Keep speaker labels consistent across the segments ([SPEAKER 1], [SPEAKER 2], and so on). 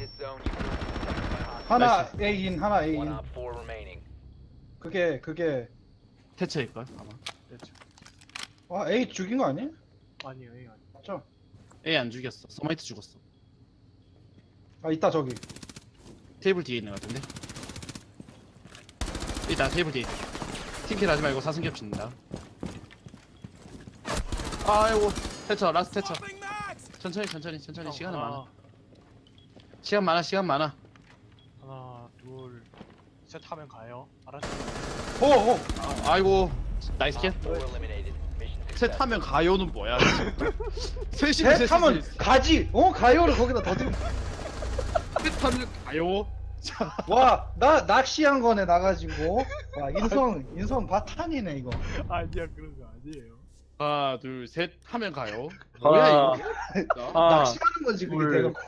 [SPEAKER 1] 하나 A인 하나
[SPEAKER 2] One
[SPEAKER 1] A인.
[SPEAKER 2] op 4 remaining.
[SPEAKER 1] 그게
[SPEAKER 3] 태처일걸 아마.
[SPEAKER 1] 아 A 죽인 거 아니야?
[SPEAKER 4] 아니에요, 아니에요.
[SPEAKER 1] 맞죠?
[SPEAKER 3] A 안 죽였어. 서마이트 죽었어.
[SPEAKER 1] 아 있다 저기.
[SPEAKER 3] 테이블 뒤에 있는 것 같은데. 일단 테이블 뒤에. 팀킬 하지 말고 사승 겹친다. 아이고 태처 라스트 태처. 천천히 시간은 많아. 시간 많아.
[SPEAKER 4] 하나, 둘, 셋 하면 가요. 알았죠?
[SPEAKER 1] 오.
[SPEAKER 3] 아이고 나이스 킬.
[SPEAKER 2] Op 4 eliminated. Mission
[SPEAKER 3] 셋
[SPEAKER 2] success.
[SPEAKER 3] 하면 가요는 뭐야? 셋이
[SPEAKER 1] 셋 하면 가지. 가요를 거기다 더 들.
[SPEAKER 3] 셋 하면 가요. 자,
[SPEAKER 1] 와나 낚시한 거네 나가지고. 와 인성 바탄이네 이거.
[SPEAKER 4] 아니야, 그런 거 아니에요.
[SPEAKER 3] 하나 둘 셋 하면 가요. 뭐야 이거? 진짜?
[SPEAKER 1] 낚시하는 거지 그게
[SPEAKER 5] 둘.
[SPEAKER 1] 대놓고.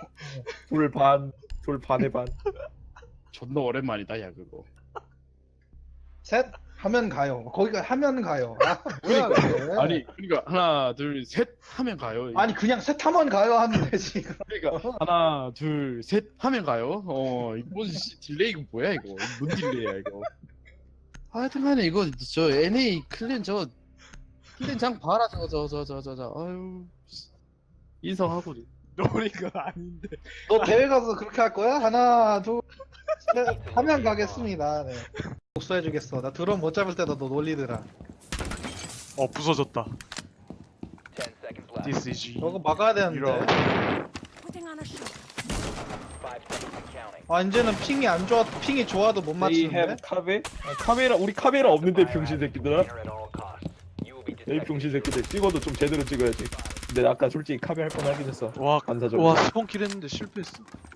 [SPEAKER 5] 둘 반의 반.
[SPEAKER 3] 존나 오랜만이다 야 그거.
[SPEAKER 1] 셋 하면 가요. 거기가 하면 가요. 아, 뭐야 그게.
[SPEAKER 3] 아니 그러니까 하나 둘 셋 하면 가요.
[SPEAKER 1] 아니 그냥 셋 하면 가요 하면 되지.
[SPEAKER 3] 그러니까 하나 둘 셋 하면 가요. 이거 뭔 딜레이 이거 뭐야 이거? 뭔 딜레이야 이거? 하여튼간에 이거 저 NA 클랜 저 클랜 장 봐라 저저 아유 인성하고
[SPEAKER 4] 노린 건 아닌데.
[SPEAKER 1] 너 대회 가서 그렇게 할 거야? 하나 둘 셋 하면 가겠습니다. 네. 복수해주겠어. 나 드론 못 잡을 때도 너 놀리더라.
[SPEAKER 4] 부서졌다.
[SPEAKER 2] 10 seconds left.
[SPEAKER 4] This is
[SPEAKER 1] 저거 막아야 되는데.
[SPEAKER 4] 이런.
[SPEAKER 6] Putting on a show.
[SPEAKER 2] 5 seconds and counting.
[SPEAKER 1] 아 이제는 핑이 안 좋아 핑이 좋아도 못
[SPEAKER 5] They have
[SPEAKER 1] 맞추는데.
[SPEAKER 5] 카베? 카메라 우리 카메라 없는데 병신 새끼들아.
[SPEAKER 2] Clear at all costs. You will be
[SPEAKER 5] 이
[SPEAKER 2] detected.
[SPEAKER 5] 병신 새끼들 찍어도 좀 제대로 찍어야지. 근데 아까 솔직히 카메라 할 뻔하긴 했어.
[SPEAKER 4] 와,
[SPEAKER 5] 반사적으로.
[SPEAKER 4] 와, 스폰킬 했는데 실패했어.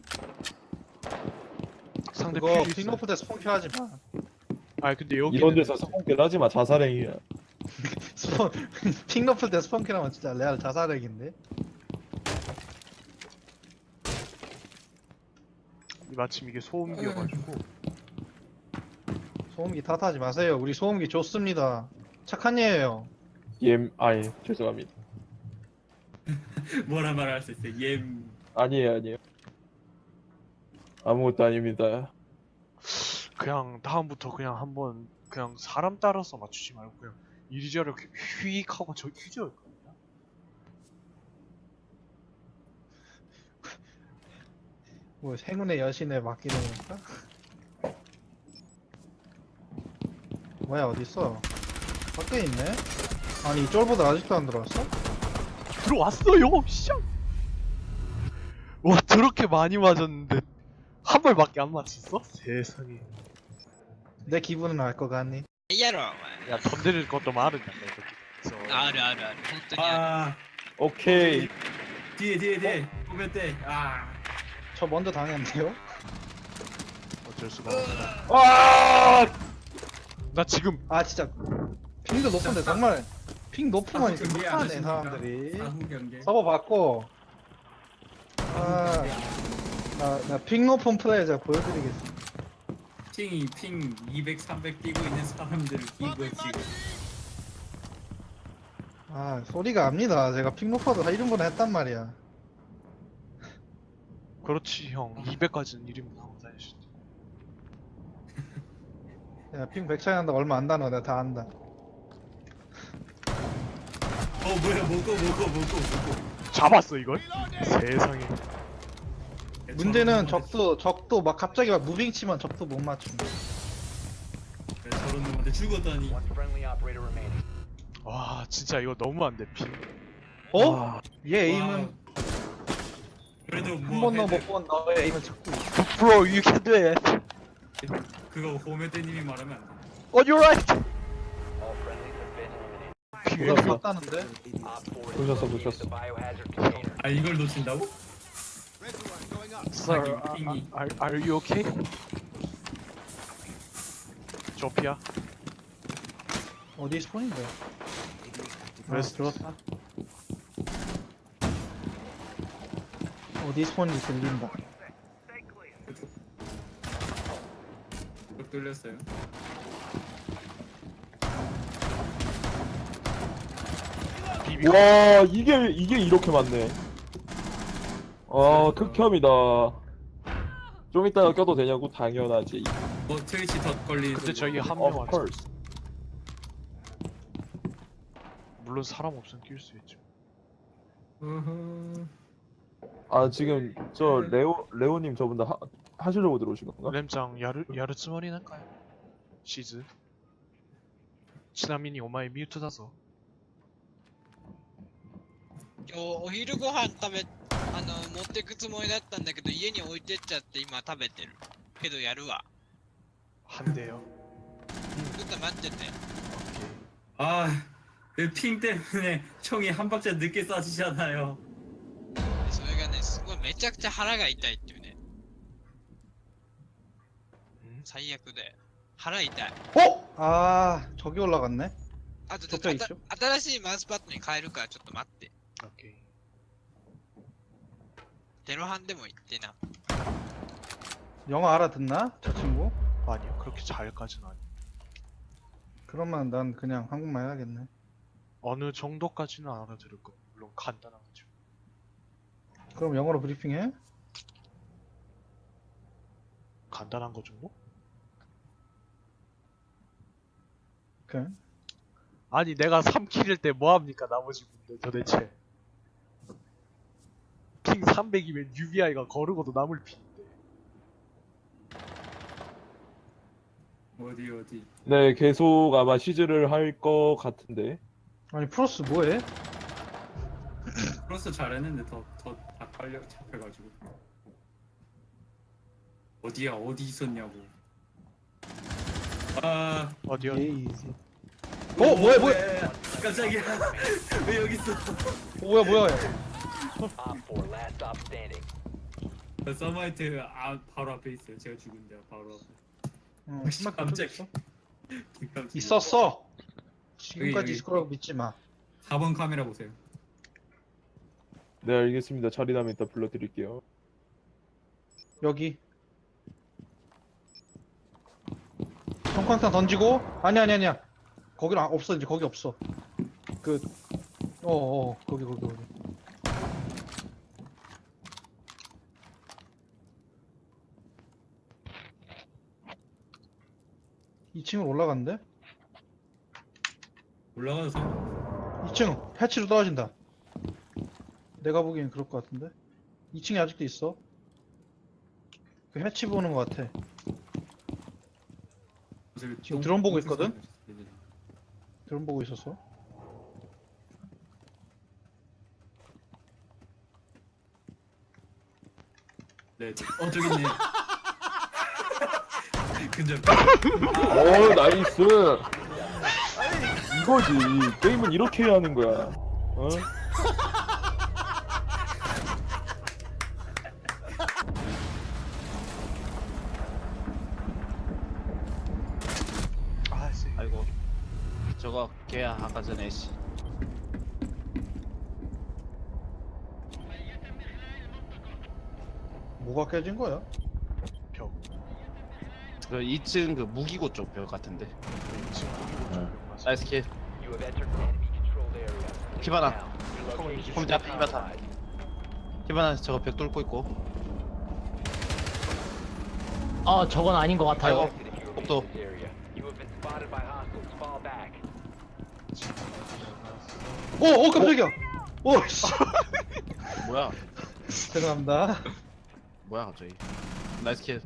[SPEAKER 4] 상대
[SPEAKER 1] 그거
[SPEAKER 4] 퓨즈 있어.
[SPEAKER 1] 핑오프 때 스폰킬 하지 마.
[SPEAKER 4] 아, 근데 여기
[SPEAKER 5] 이런 데서 성공길 하지 마. 자살행위야.
[SPEAKER 1] 스폰 핑오프 때 스폰킬 하면 진짜 레알 자살액인데.
[SPEAKER 4] 마침 이게 소음기여가지고.
[SPEAKER 1] 소음기 탓하지 마세요. 우리 소음기 좋습니다. 착한 예예요.
[SPEAKER 5] 아예 죄송합니다.
[SPEAKER 7] 뭐라 말할 수 있어?
[SPEAKER 5] 아니에요. 아무것도 아닙니다.
[SPEAKER 4] 그냥 다음부터 그냥 한번 그냥 사람 따라서 맞추지 말고 그냥 이리저리 휙 하고 저 휴지할 겁니다.
[SPEAKER 1] 뭐 행운의 여신에 맡기는 건가? 뭐야 어딨어? 밖에 있네? 아니 이 쫄보다 아직도 안 들어왔어?
[SPEAKER 4] 들어왔어요, 씨. 와, 저렇게 많이 맞았는데 한 발밖에 안 맞췄어? 세상에.
[SPEAKER 1] 내 기분은 알 것 같니?
[SPEAKER 8] Yarrow.
[SPEAKER 4] 야, 건드릴 것도 많은데 이렇게.
[SPEAKER 8] 알아.本当にある。
[SPEAKER 7] 아
[SPEAKER 5] 오케이.
[SPEAKER 7] 뒤에 보면 돼. 아
[SPEAKER 1] 저 먼저 당했는데요?
[SPEAKER 4] 어쩔 수가 없어.
[SPEAKER 5] 아!
[SPEAKER 4] 나 지금
[SPEAKER 1] 아 진짜 핑도 높은데 정말 핑 높으면
[SPEAKER 7] 사후 경기 안
[SPEAKER 1] 못하네
[SPEAKER 7] 하십니까?
[SPEAKER 1] 사람들이.
[SPEAKER 7] 사후 경계.
[SPEAKER 1] 서버 받고 나핑 높은 플레이 제가 보여드리겠습니다.
[SPEAKER 7] 핑 200, 300 뛰고 있는 사람들을 기부해 지금.
[SPEAKER 1] 아 소리가 압니다. 제가 핑 높아도 이런 건 했단 말이야.
[SPEAKER 4] 그렇지 형. 200까지는 1인분 하고 다니시.
[SPEAKER 1] 내가 핑 100 차이 난다 얼마 안 다너 내가 다 안다.
[SPEAKER 7] 뭐야 먹고.
[SPEAKER 4] 잡았어 이걸? 세상에.
[SPEAKER 1] 문제는 적도 막 갑자기 막 무빙 치면 적도 못 맞춤.
[SPEAKER 7] 저런 놈한테 죽었다니.
[SPEAKER 2] One friendly operator remaining.
[SPEAKER 4] 와, 진짜 이거 너무 안 돼. 피.
[SPEAKER 1] 어? 얘
[SPEAKER 7] 와.
[SPEAKER 1] 에임은
[SPEAKER 7] 그래도
[SPEAKER 1] 한
[SPEAKER 7] 뭐
[SPEAKER 1] 번도 못 본 너의 에임은 자꾸
[SPEAKER 4] Bro, you can do it.
[SPEAKER 7] 그거 호메테님이 말하면 안 돼.
[SPEAKER 4] On your right.
[SPEAKER 2] All friendlies have been eliminated.
[SPEAKER 1] 에임 봤다는데?
[SPEAKER 2] Op 4 is
[SPEAKER 5] 놓쳤어,
[SPEAKER 2] located
[SPEAKER 5] 놓쳤어.
[SPEAKER 2] the biohazard container.
[SPEAKER 7] 아 이걸 놓친다고?
[SPEAKER 4] Sir,
[SPEAKER 7] 핑이.
[SPEAKER 4] are you okay? 조피아.
[SPEAKER 1] 어디 스폰인데?
[SPEAKER 4] 웨스트.
[SPEAKER 1] 들었다. 어디 스폰인지 들린다.
[SPEAKER 7] 쭉 뚫렸어요.
[SPEAKER 4] 비비.
[SPEAKER 5] 와 이게 이렇게 많네. 아 극혐이다. 좀 이따가 껴도 되냐고? 당연하지.
[SPEAKER 7] 뭐 트위치 덧 걸리는
[SPEAKER 4] 근데 저희 한
[SPEAKER 5] Of
[SPEAKER 4] 명 왔어.
[SPEAKER 5] course.
[SPEAKER 4] 물론 사람 없으면 낄 수 있죠.
[SPEAKER 5] 아 지금 저 레오님 저분 다 하시려고 들어오신 건가?
[SPEAKER 4] 램장 야르츠머리 할까요? 시즈. 치나미니 오마이 미ュートだぞ。
[SPEAKER 8] 今日お昼ご飯持ってくつもりだったんだけど家に置いてっちゃって今食べてるけどやるわ
[SPEAKER 4] 한대요.
[SPEAKER 8] ちょっと待ってて
[SPEAKER 7] 아, 그 핑 때문에 총이 한 박자 늦게 쏴지잖아요.
[SPEAKER 8] それがねすごいめちゃくちゃ腹が痛いっていうね最悪で腹痛い
[SPEAKER 1] 어? 아 저기 올라갔네.
[SPEAKER 8] あとちょっと
[SPEAKER 1] 적자 있죠?
[SPEAKER 8] 新しいマウスパッドに変えるからちょっと待って
[SPEAKER 4] 오케이.
[SPEAKER 8] テロハンでも言ってな
[SPEAKER 1] 영어 알아듣나? 저 친구?
[SPEAKER 4] 아니요 그렇게 잘까지는 아니에요.
[SPEAKER 1] 그러면 난 그냥 한국말 해야겠네.
[SPEAKER 4] 어느 정도까지는 알아들을 거. 물론 간단한 거죠.
[SPEAKER 1] 그럼 영어로 브리핑해?
[SPEAKER 4] 간단한 거 정도?
[SPEAKER 1] 오케이.
[SPEAKER 4] 아니 내가 3킬일 때 뭐합니까 나머지 분들 도대체. 핑 300이면 UBI가 거르고도 남을 핑인데.
[SPEAKER 7] 어디.
[SPEAKER 5] 네 계속 아마 시즈를 할 거 같은데.
[SPEAKER 1] 아니 프로스 뭐해?
[SPEAKER 7] 플러스 잘했는데 더다 빨려 잡혀가지고. 어디야 어디 있었냐고. 아,
[SPEAKER 4] 어디요?
[SPEAKER 1] 에이지. 뭐야?
[SPEAKER 7] 깜짝이야. 왜 여기 있어?
[SPEAKER 1] 뭐야?
[SPEAKER 2] Op 4, last stop standing.
[SPEAKER 7] 서마이트 바로 앞에 있어요. 제가 죽은 데 바로 앞에.
[SPEAKER 1] 신발
[SPEAKER 7] 깜짝이야.
[SPEAKER 1] 있었어. 지금까지
[SPEAKER 7] 여기.
[SPEAKER 1] 있을 거라고 믿지 마.
[SPEAKER 7] 4번 카메라 보세요.
[SPEAKER 5] 네 알겠습니다. 자리 나면 이따 불러드릴게요.
[SPEAKER 1] 여기. 성광탄 던지고 아니야. 거기는 없어 이제 거기 없어. 거기. 2층으로 올라갔는데?
[SPEAKER 7] 올라가서 상관없어.
[SPEAKER 1] 2층 해치로 떨어진다. 내가 보기엔 그럴 것 같은데? 2층에 아직도 있어. 그 해치 보는 것 같아. 지금 드론 보고 있거든? 드론 보고 있었어.
[SPEAKER 7] 네. 저기 있네. 근접.
[SPEAKER 5] 오 나이스. 이거지. 게임은 이렇게 해야 하는 거야. 어?
[SPEAKER 3] 아이고 저거 걔야 아까 전에 씨.
[SPEAKER 1] 뭐가 깨진 거야?
[SPEAKER 4] 벽.
[SPEAKER 3] 그 2층 그 무기고 쪽 벽 같은데.
[SPEAKER 4] 지금 거기로 좀 맞아.
[SPEAKER 3] 나이스 킬.
[SPEAKER 2] You have entered an enemy controlled area.
[SPEAKER 3] 키바나.
[SPEAKER 2] Your location
[SPEAKER 3] 혼자
[SPEAKER 2] is
[SPEAKER 3] 피바타.
[SPEAKER 2] identified.
[SPEAKER 3] 키바나 저거 벽 뚫고 있고.
[SPEAKER 9] 저건 아닌 것 같아요.
[SPEAKER 3] 아이고.
[SPEAKER 2] If you remain
[SPEAKER 3] 복도.
[SPEAKER 2] in this area, you have been spotted by hostiles. Fall back.
[SPEAKER 1] 깜짝이야. 씨.
[SPEAKER 3] 뭐야?
[SPEAKER 1] 죄송합니다.
[SPEAKER 3] 뭐야 갑자기? 나이스 킬.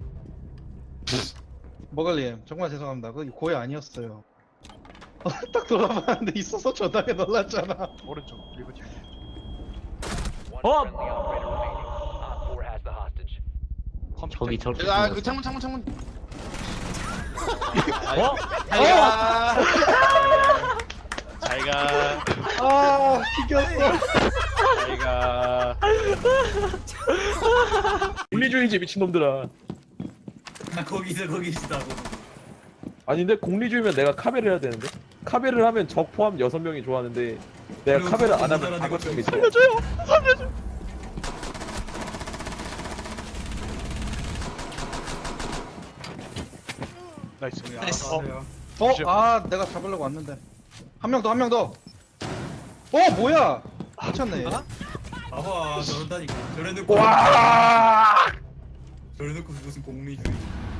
[SPEAKER 1] 머글님 정말 죄송합니다. 그거 고의 아니었어요. 딱 돌아봤는데 있어서 저당에 놀랐잖아.
[SPEAKER 4] 오른쪽 그리고 뒤.
[SPEAKER 2] One
[SPEAKER 9] Oh!
[SPEAKER 2] friendly operator remaining. Op 4 has the hostage.
[SPEAKER 4] 컴퓨터.
[SPEAKER 9] 저기 저렇게
[SPEAKER 3] 아그
[SPEAKER 9] 생겼어.
[SPEAKER 3] 창문. 잘가.
[SPEAKER 1] 아 튀겼어.
[SPEAKER 3] 잘가.
[SPEAKER 5] 공리주의지 미친놈들아.
[SPEAKER 7] 거기 있다고.
[SPEAKER 5] 아닌데 공리주의면 내가 카베를 해야 되는데. 카베를 하면 적 포함 6명이 좋아하는데 내가 카베를 안 하면 5명이 좋아.
[SPEAKER 4] 나이스.
[SPEAKER 8] 나이스.
[SPEAKER 1] 내가 잡으려고 왔는데. 한 명 더. 뭐야? 미쳤네.
[SPEAKER 7] 봐봐 저런다니까. 저래놓고.
[SPEAKER 5] 와!
[SPEAKER 7] 그래놓고 무슨 공리주의.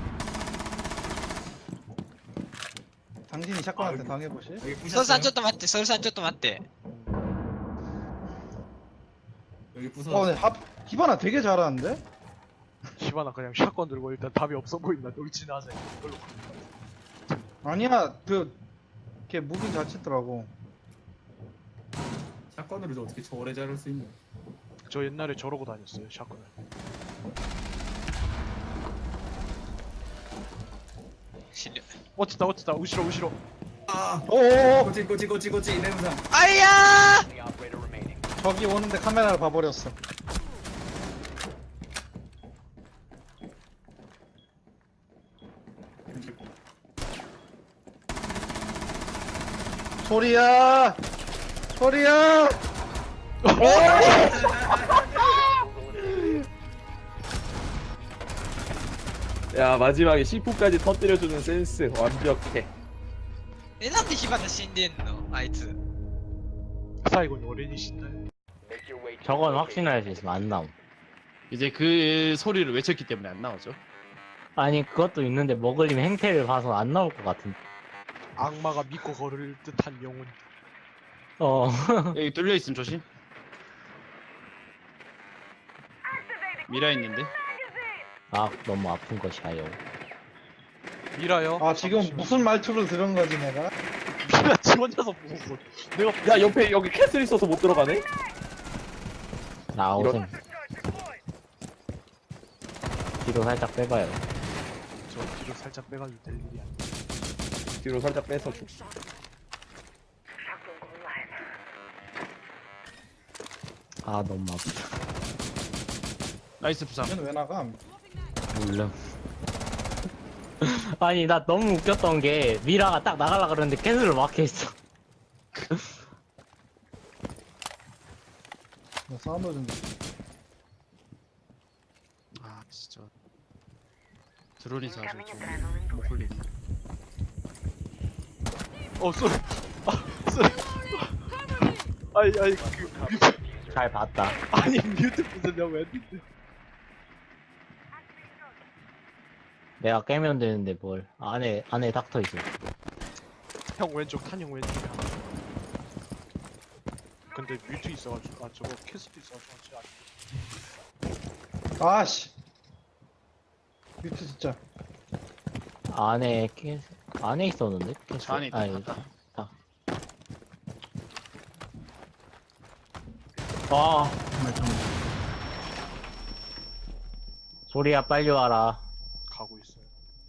[SPEAKER 1] 당신이 샷건한테 당해보시.
[SPEAKER 7] 여기
[SPEAKER 8] ソルさん
[SPEAKER 7] 부셨어요?
[SPEAKER 8] ちょっと待ってソルさんちょっと待って
[SPEAKER 7] 여기 부서.
[SPEAKER 1] 근데 히바나 되게 잘하는데?
[SPEAKER 4] 시바나 그냥 샷건 들고 일단 답이 없어 보인다. 돌진하자. 이걸로.
[SPEAKER 1] 아니야, 걔 무빙 잘 치더라고.
[SPEAKER 7] 샷건으로 어떻게 저 오래 자를 수 있냐?
[SPEAKER 4] 저 옛날에 저러고 다녔어요. 샷건을.
[SPEAKER 8] 실력
[SPEAKER 4] 어쨌다 어쨌다. 우시로.
[SPEAKER 7] 아,
[SPEAKER 1] 오오오!
[SPEAKER 7] 꼬치 냄새.
[SPEAKER 8] 아이야
[SPEAKER 2] Only operator remaining.
[SPEAKER 1] 저기 오는데 카메라를 봐버렸어. 소리야! 소리야!
[SPEAKER 5] 야 마지막에 C4까지 터뜨려주는 센스 완벽해.
[SPEAKER 8] えなんで火花死んでんのあいつ
[SPEAKER 4] 사이곤이 어린이 신나요?
[SPEAKER 2] Make your way to
[SPEAKER 9] 저건
[SPEAKER 2] the
[SPEAKER 9] 확신할 수 있으면 안 나옴.
[SPEAKER 3] 이제 그 소리를 외쳤기 때문에 안 나오죠.
[SPEAKER 9] 아니 그것도 있는데 머글림 행태를 봐서 안 나올 것 같은.
[SPEAKER 4] 악마가 믿고 걸을 듯한 영혼.
[SPEAKER 9] 어.
[SPEAKER 3] 여기 뚫려 있음 조심. 미라 있는데.
[SPEAKER 9] 아 너무 아픈 것이야요.
[SPEAKER 4] 미라요?
[SPEAKER 1] 아, 지금 무슨 말투를 들은 거지, 내가?
[SPEAKER 4] 미라 지 혼자서 보고 내가
[SPEAKER 5] 야 옆에 여기 캐슬 있어서 못 들어가네?
[SPEAKER 9] 나오셈. 뒤로 살짝 빼봐요.
[SPEAKER 4] 저 뒤로 살짝 빼가지고 될 일이 아니야.
[SPEAKER 5] 뒤로 살짝 빼서 줘.
[SPEAKER 9] 아 너무 아프다.
[SPEAKER 3] 나이스 부상.
[SPEAKER 1] 얘는 왜 나감?
[SPEAKER 9] 물론. 아니 나 너무 웃겼던 게 미라가 딱 나가려 그러는데 캐슬을 막혀있어.
[SPEAKER 1] 나 사운드 좀.
[SPEAKER 3] 아 진짜. 드론이 사실 좀못 걸리네.
[SPEAKER 4] 쏘리. 쏘리. 아니 그 뮤트
[SPEAKER 9] 잘 봤다.
[SPEAKER 4] 아니 뮤트 부수려고 했는데.
[SPEAKER 9] 내가 깨면 되는데 뭘. 안에 닥터 있어.
[SPEAKER 4] 형 왼쪽 탄형 왼쪽이야. 근데 뮤트 있어가지고 저거 캐스트 있어가지고
[SPEAKER 1] 아씨! 뮤트 진짜.
[SPEAKER 9] 안에 있었는데? 캐슬?
[SPEAKER 3] 안에 있다.
[SPEAKER 9] 아니,
[SPEAKER 3] 갔다.
[SPEAKER 9] 아, 정말 참. 소리야 빨리 와라.
[SPEAKER 4] 가고 있어요.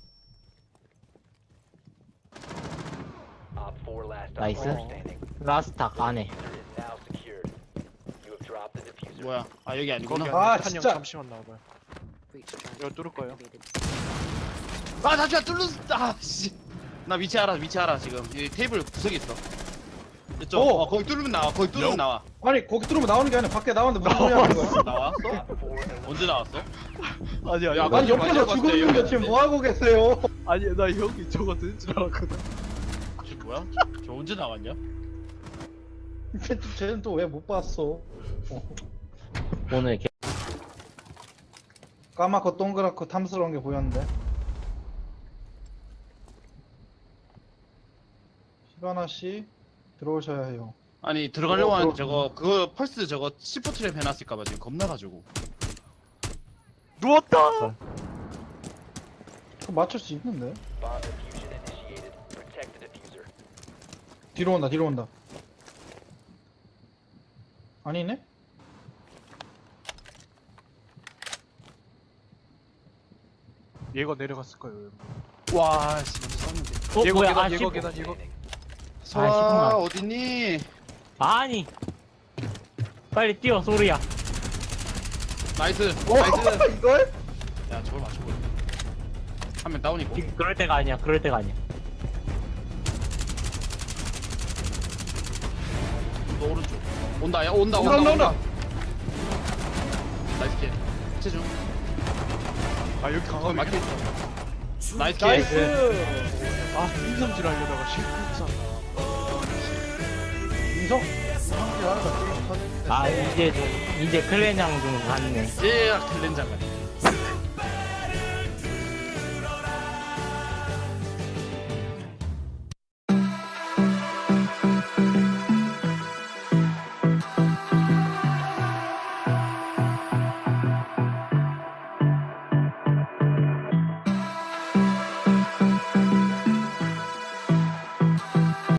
[SPEAKER 2] Op 4 last
[SPEAKER 9] Nice.
[SPEAKER 2] operator standing.
[SPEAKER 9] 라스탁 안에.
[SPEAKER 2] Diffuser is now secured. You have dropped the diffuser.
[SPEAKER 3] 뭐야? 아 여기 아니구나.
[SPEAKER 4] 거기
[SPEAKER 1] 아,
[SPEAKER 4] 안에 탄형
[SPEAKER 1] 진짜.
[SPEAKER 4] 잠시만 나와봐요. 이거 뚫을 거예요.
[SPEAKER 3] 아 잠시만 뚫렸어. 아 씨. 나 위치 알아 지금. 이 테이블 구석에 있어. 이쪽.
[SPEAKER 1] 오!
[SPEAKER 3] 거기 뚫으면 나와. 거기 뚫으면 나와.
[SPEAKER 1] 아니, 거기 들어오면 나오는 게 아니라 밖에 나왔는데 무슨 소리 하는 거야?
[SPEAKER 3] 나왔어?
[SPEAKER 2] Op 4
[SPEAKER 3] 언제 나왔어?
[SPEAKER 4] 아니야
[SPEAKER 3] 야,
[SPEAKER 4] 이거
[SPEAKER 1] 아니, 옆에서
[SPEAKER 3] 맞아,
[SPEAKER 1] 죽고
[SPEAKER 3] 맞아,
[SPEAKER 1] 있는데
[SPEAKER 3] 이거.
[SPEAKER 1] 지금 뭐하고 계세요?
[SPEAKER 4] 아니 나 형이 저거 든 줄 알았거든.
[SPEAKER 3] 저 뭐야? 저 언제 나왔냐?
[SPEAKER 1] 쟤는 또 왜 못 봤어?
[SPEAKER 9] 오늘
[SPEAKER 1] 까맣고 동그랗고 탐스러운 게 보였는데. 히바나 씨 들어오셔야 해요.
[SPEAKER 3] 아니 들어가려고 하는데
[SPEAKER 1] 들어-
[SPEAKER 3] 저거 그거 펄스 저거 C4 트랩 해놨을까봐 지금 겁나가지고.
[SPEAKER 4] 누웠다.
[SPEAKER 1] 그거 맞출 수 있는데.
[SPEAKER 2] bomb diffusion initiated. Protect the diffuser.
[SPEAKER 1] 뒤로 온다. 아니네?
[SPEAKER 4] 얘가 내려갔을 거예요.
[SPEAKER 3] 와 씨, 먼저 쐈는데.
[SPEAKER 4] 얘거
[SPEAKER 9] 뭐야?
[SPEAKER 4] 계단
[SPEAKER 9] 아,
[SPEAKER 4] 얘거
[SPEAKER 9] 씹어.
[SPEAKER 4] 계단 얘거.
[SPEAKER 3] 서아
[SPEAKER 9] 시끄러워.
[SPEAKER 3] 어딨니?
[SPEAKER 9] 아니. 빨리 뛰어 소리야.
[SPEAKER 3] 나이스.
[SPEAKER 1] 오!
[SPEAKER 3] 나이스.
[SPEAKER 1] 이걸?
[SPEAKER 3] 야 저걸 맞춰버려. 한 명 다운이고.
[SPEAKER 9] 지금 그럴 때가 아니야.
[SPEAKER 3] 너 오른쪽. 온다 야 온다. 나이스 킬. 체중.
[SPEAKER 4] 아 여기
[SPEAKER 3] 거기
[SPEAKER 4] 강하게
[SPEAKER 3] 막혀있어. 나이스 킬.
[SPEAKER 1] 나이스!
[SPEAKER 4] 아 인성질 하려다가 실패했어.
[SPEAKER 1] 인성? 인성질 하나가 게임 터졌네.
[SPEAKER 9] 아 이제 클랜장 중 갔네.
[SPEAKER 3] 예 클렌장 같네.